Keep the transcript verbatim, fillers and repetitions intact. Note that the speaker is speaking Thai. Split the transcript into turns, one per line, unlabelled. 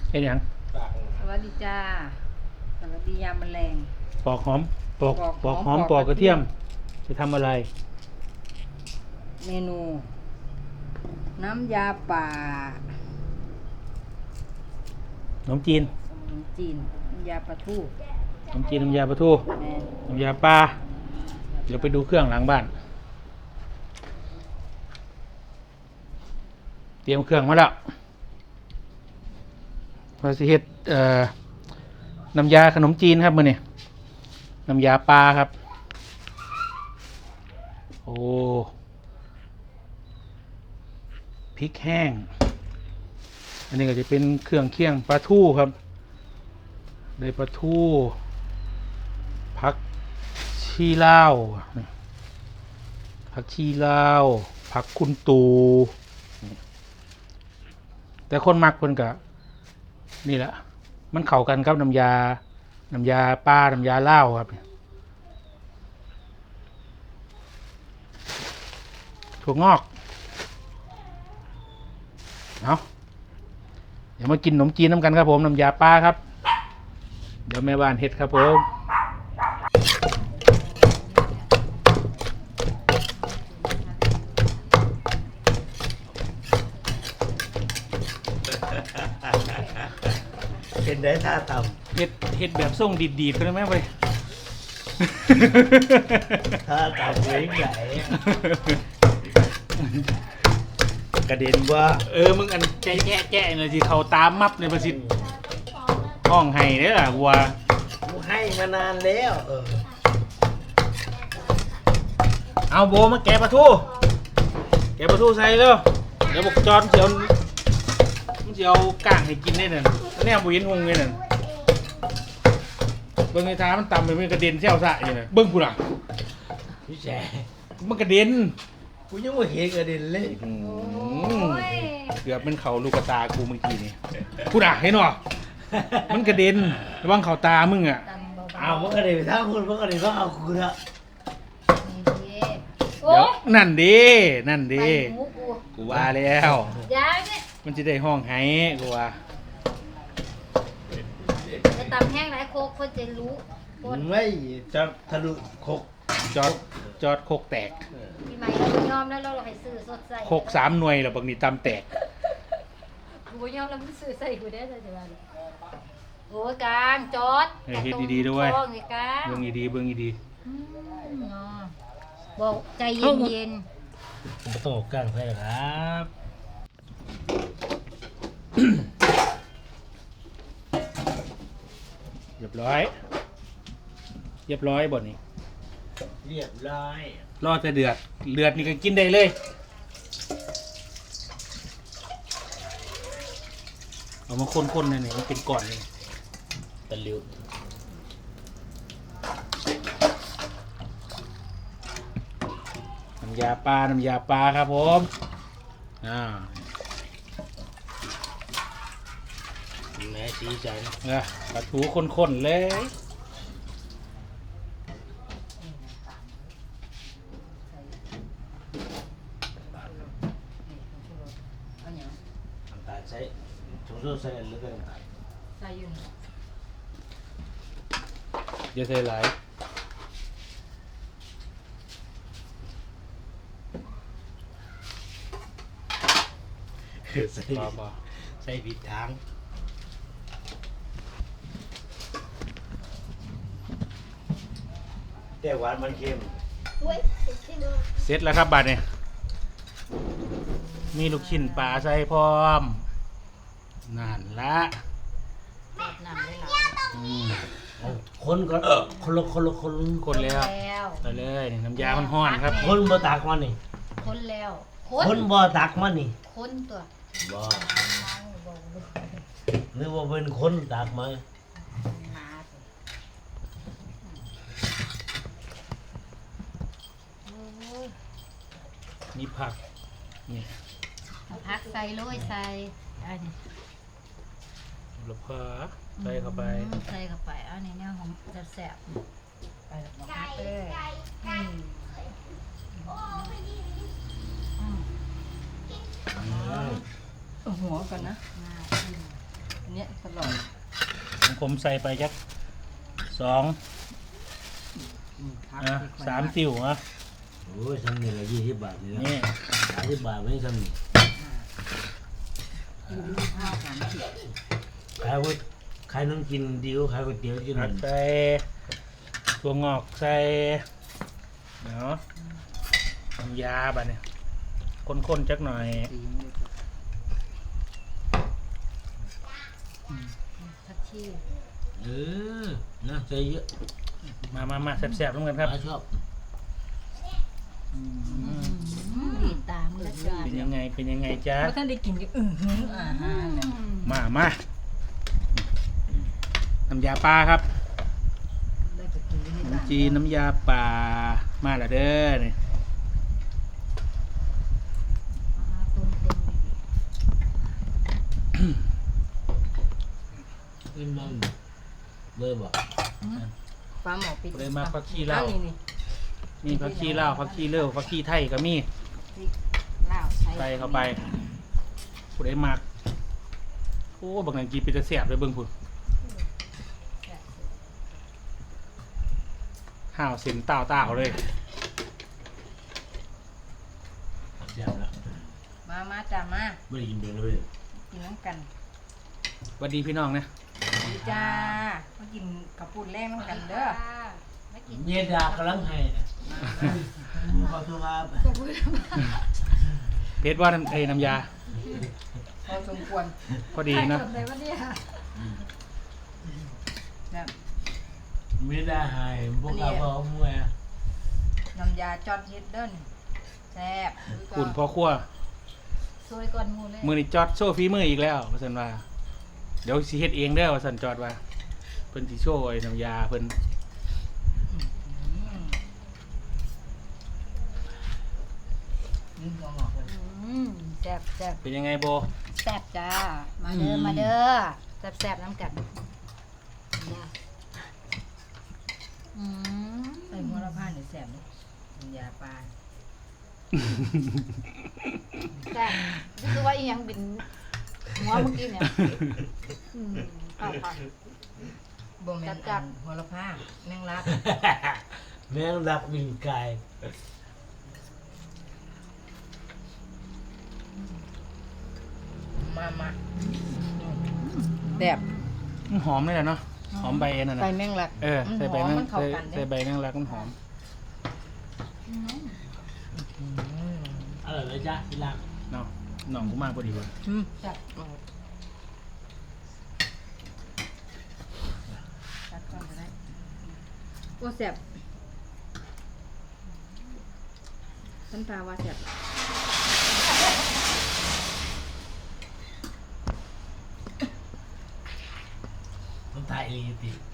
เอ็นยัง
สวัสดีจ้าสวัสดียามแมลง
ปอกหอมปอกปอกหอมปอกกระเทียมจะทำอะไร
เมนูน้ำยาป่า
ขนมจีน
ขนมจีนน้ำยาปลาทู
ขนมจีนน้ำยาปลาทูน้ำยาปลาเดี๋ยวไปดูเครื่องหลังบ้านเตรียมเครื่องมาแล้วเราจะเฮ็ดเอ่อน้ำยาขนมจีนครับมื้อนี้น้ำยาปลาครับโอ้พริกแห้งอันนี้ก็จะเป็นเครื่องเคียงปลาทูครับได้ปลาทูผักชีลาวผักชีลาวผักคุณตูแต่คนมักเพิ่นก็นี่แหละมันเข้ากันครับน้ำยาน้ำยาปลาน้ำยาลาวครับถั่วงอกเอาเดี๋ยวมากินขนมจีนน้ำกันครับผมน้ำยาปลาครับเดี๋ยวแม่บ้านเฮ็ดครับผม
เป็นได้ท่าต่
ำเฮ็ดเฮ็ดแบบส่งดีดๆกันได้ไหมไป
ท่าต่ำเว้งใหญ่กระเด็นว่า
เออมึงอันแจ๊ะแจ๊ะแจ๊ะเลยสิเขาตามมับในประสิทธิ์ห้องไห้เด้อล่ะวัว
กูให้มานานแล้วเออ
เอาโบมาแกะปลาทูแกะปลาทูใส่แล้วเดี๋ยวบอกจอนเดี๋ยวมึงจะเอาก้างให้กินได้นั่นเนี่ยบุญหงเลยนั่นเบิ้งไอ้ท้ามันต่ำไปมันกระเด็นเชี่ยวซะอย่างนั้นเบิ้งกูล่ะ
พี่แฉ
มันกระเด็น
กูยังไม่เห็นกระเด็นเลย
เกือบเป็นเขาลูกตากูเมื่อกี้นี่กูด่าเห็นหรอมันกระเด็นระวังเขาตามึงอ่ะ
อ้าวมันกระเด็นถ้าคุณมันกระเด็นก็เอาคุณละ
เดี๋ยวนั่นดีนั่นดีกูว่าแล้วมันจะได้ห้องไห้กูว่า
จะตำแห้งไรโคกคนจะรู้
ไม่จะทะลุโคก
จอดจอดโคกแตก
พี่ใหม่เรายอมแล้วเราไปซื้อสดใส่
โคกสามหน่วยแล้วบางทีตำแตก
กูยอมแล้วมึงซื้อใส่กูได้เลยจ้ะโอ้กลางจอด
เฮ็ดดีๆด้วย
เบื้
องดีๆเบื้องดี
บอกใจเย็น
ๆไม่ต้องกลางใช่ครับ
เรียบร้อยเรียบร้อยบ่นี่
เรียบร้อย
รอจะเดือดเดือดนี่ก็กินได้เลยเอามาคนๆหน่อยๆมันเป็นก้อนเลย
ตะลิว
น้ำยาปลาน้ำยาปลาครับผมอ่า
แม่ชี้ใจ
เออปลาทูข้นๆเลย
ใส่ถุงโซ่ใส่หรือเป็น
ใส่อยู่
อย่าใส่หลาย
ใส่ใส่ผิดทางแต่หวานมันเค็ม
เสร็จแล้วครับบัดเนี่ยมีลูกชิ้นปลาใส่พร้อมนั่นละ
คนก็คนละคนละคน
คนแล้วไปเลยน้ำยาห้อนๆครับ
คนบ่ตักมันนี่
คนแล้ว
คนบ่ตักมันนี่
คนตัว
บ่หรือว่าเป็นคนตักมา
มีผักนี่
ผักใส่โรยใส่อันนี้
ลูกเผือใส่เข้าไป
ใส่เข้าไปอันนี้เนี่ยหอมจะแซ่บไปผักเลย
หัวก่อนนะ
อันนี้
นี้ยตลอด
ของผมใส่ไปจักสอง
อืมพัก
อ่ะ
ที่ข่อย
สามติ่วอ่ะ
โอ้ยซ้ำนี่ละยี่สิบบาทนี่นะ
นี่
สามสิบบาทไม่ซ้ำนี่
กินข้าวสามสิบ
ขายว่าขายน้ำกินดีกว่าขายก๋วยเตี๋ยวกินห
ผั
นึ่
ก
ง
ใส่ตัวงอกใส่เนาะน้ำยาบัดเนี่ยข้นๆจักหน่อย
สีเลยทักชี่
เออนะใส่เยอะ
มามามาแซ่บๆร่วมกันครับ
ป้าชอบ
ดีตามเลยจ้า
เป็นยังไงเป็นยังไงจ๊ะ
เพราะท่านได้กินก็อือหืออาหารเลย
มามาน้ำยาปลาครับ
ได้ไปกินที่
ขนม
บ้าน
จีนน้ำยาปลามาและเด้อนี่
ตุ้มเต็ม
กินบ้างเลยบอก
ปลาหมอปิด
เลยมาผักชีลาว
นี่นี่
มีผักชีลาวผักชีเล่วผักชีไทยก็มี
พริกลาว
ใส่เข้าไปผู้ใดมักโอ้บางอย่างกินเป็นจะแสบเลยเบิ่งพุ่นห่าวเส้นต่าวต่าวๆเลย
แซ่บแล้ว
มามาจ้ามา
ไม่ได้กินเดือนเลย
กินน้ำกัน
สวัสดีพี่น้องนะ
ดีจ้ามากินกระปุนแรกน้ำกันเด้อ
ไม่กิน
เมียดากำลังให้ขอโทษครับ
เพชรว่าน้ำเอ้ยน้ำยา
พอสมควร
พอดีนะ
ใครทำอะไรวะเนี่ย
แบบ
เมียดาให้พวกเราพอมวย
น้ำยาจอดเฮ็ดเด้นแซ่บ
คุณพ่อครัว
ซวยก่อนหมูเลย
มือนี่จอดโชว์ฝีมืออีกแล้วว่าสันว่าเดี๋ยวสิเฮ็ดเองเด้อว่าสันจอดว่าเพิ่นสิโชว์ไอ้น้ำยาเพิ่น
นี่หัวหงอกเลย
อืมแซ่บแซ่บ
เป็นยังไงโบ
แซ่บจ้า มาเด้อมาเด้อแซ่บแซ่บน้ำกันอืม
ใส่หัวละพานนี่แซ่บเลยน้ำยาปลา
แซ่บนี่คือว่าอีหยังบินหัวเมื่อกี้เนี่ยอืมเอาค่ะ
บ่แม่น
จัด
อันหัวละพาแมงลัก
แม่งรักวินกาย
มามาแบบ
หอมเลยแหละเนาะหอมใบนั่น
ใส่
น่ะ
แมงลัก
เออ
มัน
ใส่
ห
ใบ
อม
นั่น
มันเข้า
ใส่
กัน
ใส่
เด้
ใบนั่งรักมันหอม
อร่อยไหมจ๊ะพี่รัก
เนาะหน่องกูมากพอดีว่ะ
อืม
แซ่บ
ตัดก่อนก็ได้โอ้แซ่บฉันตาว่าแซ่บ
ต้องถ่ายเองติ